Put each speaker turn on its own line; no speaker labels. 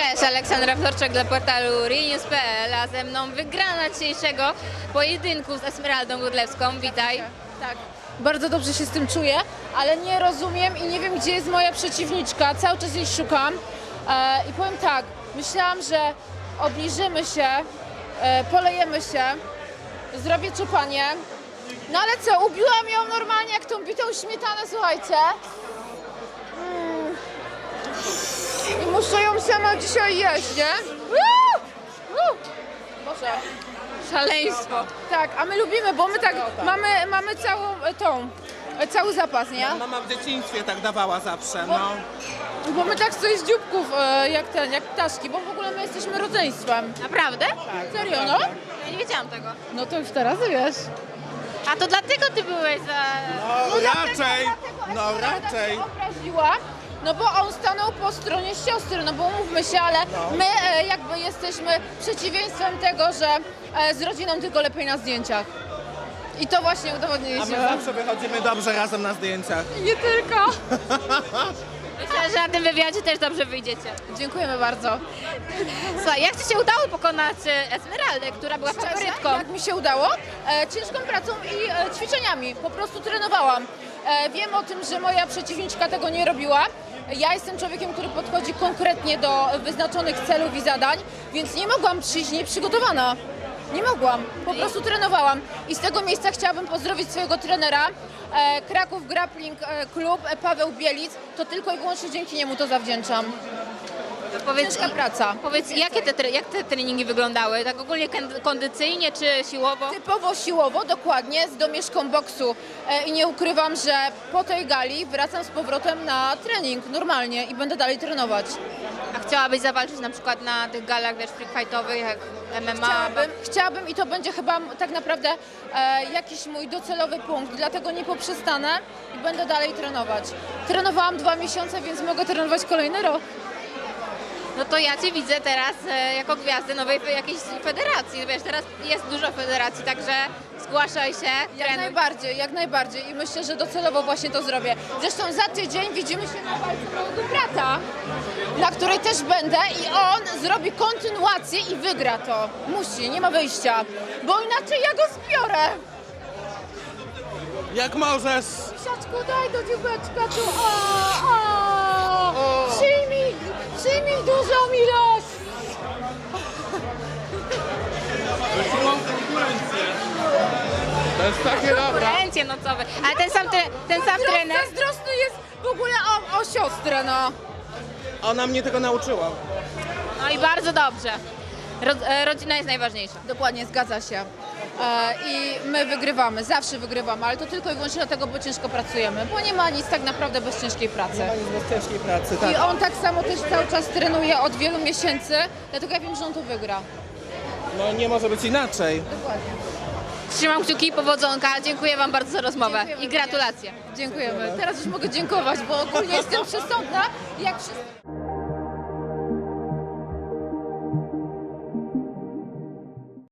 Cześć, Aleksandra Wtorczak dla portalu ReNews.pl, a ze mną wygrana dzisiejszego pojedynku z Esmeraldą Godlewską. Witaj.
Tak, bardzo dobrze się z tym czuję, ale nie rozumiem i nie wiem, gdzie jest moja przeciwniczka. Cały czas jej szukam i powiem tak, myślałam, że obniżymy się, polejemy się, zrobię czupanie, no ale co, ubiłam ją normalnie jak tą bitą śmietanę, słuchajcie. I muszę ją sama dzisiaj jeść, nie? Boże.
Szaleństwo.
Tak, a my lubimy, bo my tak mamy cały zapas, nie?
Mama w dzieciństwie tak dawała zawsze, no.
Bo my tak sobie z dzióbków, jak ptaszki, bo w ogóle my jesteśmy rodzeństwem.
Naprawdę?
Serio, no?
Ja nie wiedziałam tego.
No to już teraz wiesz.
A to dlatego ty byłeś za...
No raczej.
Się obraziła, no bo on stanął po stronie siostry, no bo umówmy się, ale my jakby jesteśmy przeciwieństwem tego, że z rodziną tylko lepiej na zdjęciach. I to właśnie
A my
udowodniliśmy.
zawsze wychodzimy dobrze razem na zdjęciach.
Nie tylko.
Myślę, że na tym wywiadzie też dobrze wyjdziecie.
Dziękujemy bardzo.
Słuchaj, jak ci się udało pokonać Esmeraldę, która była faworytką?
Jak mi się udało? Ciężką pracą i ćwiczeniami. Po prostu trenowałam. Wiem o tym, że moja przeciwniczka tego nie robiła. Ja jestem człowiekiem, który podchodzi konkretnie do wyznaczonych celów i zadań, więc nie mogłam przyjść nieprzygotowana. Nie mogłam. Po prostu trenowałam. I z tego miejsca chciałabym pozdrowić swojego trenera, Kraków Grappling Club, Paweł Bielic. To tylko i wyłącznie dzięki niemu to zawdzięczam. Ciężka praca.
Powiedz, jak te treningi wyglądały? Tak ogólnie kondycyjnie czy siłowo?
Typowo siłowo, dokładnie, z domieszką boksu. I nie ukrywam, że po tej gali wracam z powrotem na trening normalnie i będę dalej trenować.
A chciałabyś zawalczyć na przykład na tych galach, wiesz, freak fightowych, jak MMA?
Chciałabym i to będzie chyba tak naprawdę jakiś mój docelowy punkt, dlatego nie poprzestanę i będę dalej trenować. Trenowałam 2 miesiące, więc mogę trenować kolejny rok.
No to ja cię widzę teraz jako gwiazdę nowej jakiejś federacji. Wiesz, teraz jest dużo federacji, także zgłaszaj się.
Jak najbardziej i myślę, że docelowo właśnie to zrobię. Zresztą za tydzień widzimy się na walce mojego brata, na której też będę i on zrobi kontynuację i wygra to. Musi, nie ma wyjścia, bo inaczej ja go zbiorę.
Jak możesz.
Misiaczku, daj do dziubeczka tu. Przyjmij dużą ilość.
To jest takie dobre.
Konkurencje nocowe. Ale ten sam trener.
Zazdrosny jest w ogóle o siostrę, no.
Ona mnie tego nauczyła.
No i bardzo dobrze. Rodzina jest najważniejsza.
Dokładnie, zgadza się. I my wygrywamy, zawsze wygrywamy, ale to tylko i wyłącznie dlatego, bo ciężko pracujemy, bo nie ma nic tak naprawdę bez ciężkiej pracy.
Nie ma nic bez ciężkiej pracy, tak.
I on tak samo też cały czas trenuje od wielu miesięcy, dlatego ja wiem, że on to wygra.
No nie może być inaczej.
Dokładnie.
Trzymam kciuki, powodzonka. Dziękuję wam bardzo za rozmowę
Dziękujemy
i gratulacje.
Dziękujemy. Teraz już mogę dziękować, bo ogólnie jestem przesądna, jak wszyscy.